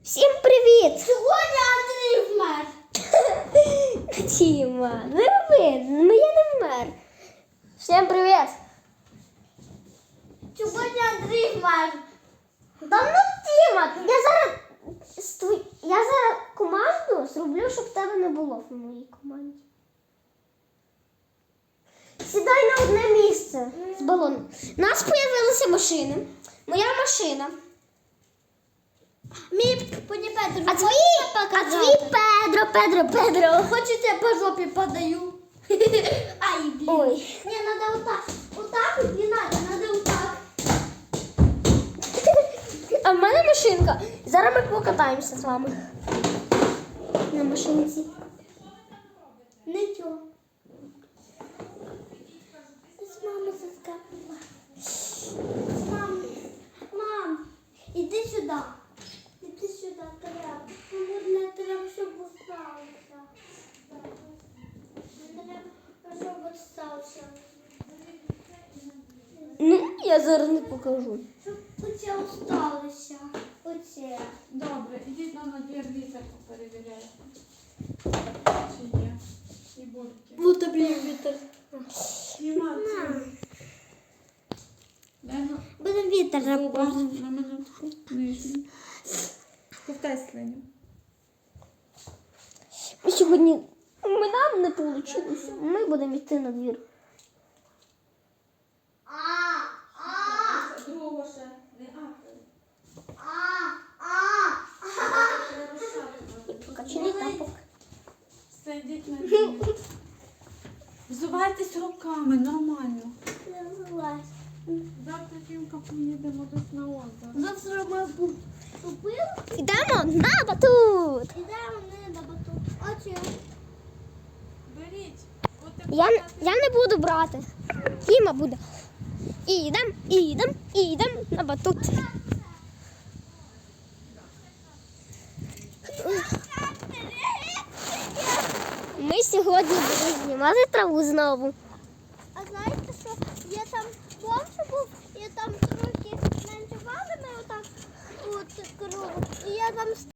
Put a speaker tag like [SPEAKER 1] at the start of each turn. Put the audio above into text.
[SPEAKER 1] Всім привіт!
[SPEAKER 2] Сьогодні Андрій вмер.
[SPEAKER 1] Тіма, не роби, ну я не вмер. Всім привіт!
[SPEAKER 2] Сьогодні Андрій вмер.
[SPEAKER 1] Та ну Тіма, я зараз команду зроблю, щоб тебе не було в моїй команді. Сідай на одне місце з балоном. У нас з'явилися машини. Моя машина.
[SPEAKER 2] Мій пані Петро,
[SPEAKER 1] А твій Педро.
[SPEAKER 2] хочете я по жопі подаю? Ай, блін.
[SPEAKER 1] Ой.
[SPEAKER 2] Ні, треба отак. Отак от не треба отак.
[SPEAKER 1] А в мене машинка. Зараз ми покатаємося з вами. На машинці.
[SPEAKER 2] Нічого. З мами заскакала. Мам, іди сюди. Іди сюди, треба. Мені треба, щоб остався. Треба, щоб остався.
[SPEAKER 1] Ну, я зараз не покажу.
[SPEAKER 2] Щоб оце осталося. Оце.
[SPEAKER 3] Добре, ідіть на двір вітерку перевіряйте. Чи є? І бурки.
[SPEAKER 1] Вот тобі вітер.
[SPEAKER 3] Знімати. Дай ну,
[SPEAKER 2] Будемо вітер
[SPEAKER 3] зуба на минутку. Нижню. Ковтай слиню.
[SPEAKER 1] Сьогодні нам не вийшло. Ми будемо йти на двір.
[SPEAKER 3] Другого ще. Не
[SPEAKER 1] Покачаний тапок.
[SPEAKER 3] Все, йдіть на двір. Взувайтесь руками, нормально. Завтра Тімка поїдемо десь на озеро.
[SPEAKER 2] Завтра ми купили.
[SPEAKER 1] Йдемо на батут.
[SPEAKER 2] Ідемо не на батут. Оце.
[SPEAKER 3] Беріть.
[SPEAKER 1] Я не буду брати. Тіма буде. Ідем на батут. Ми сьогодні будемо знімати траву знову.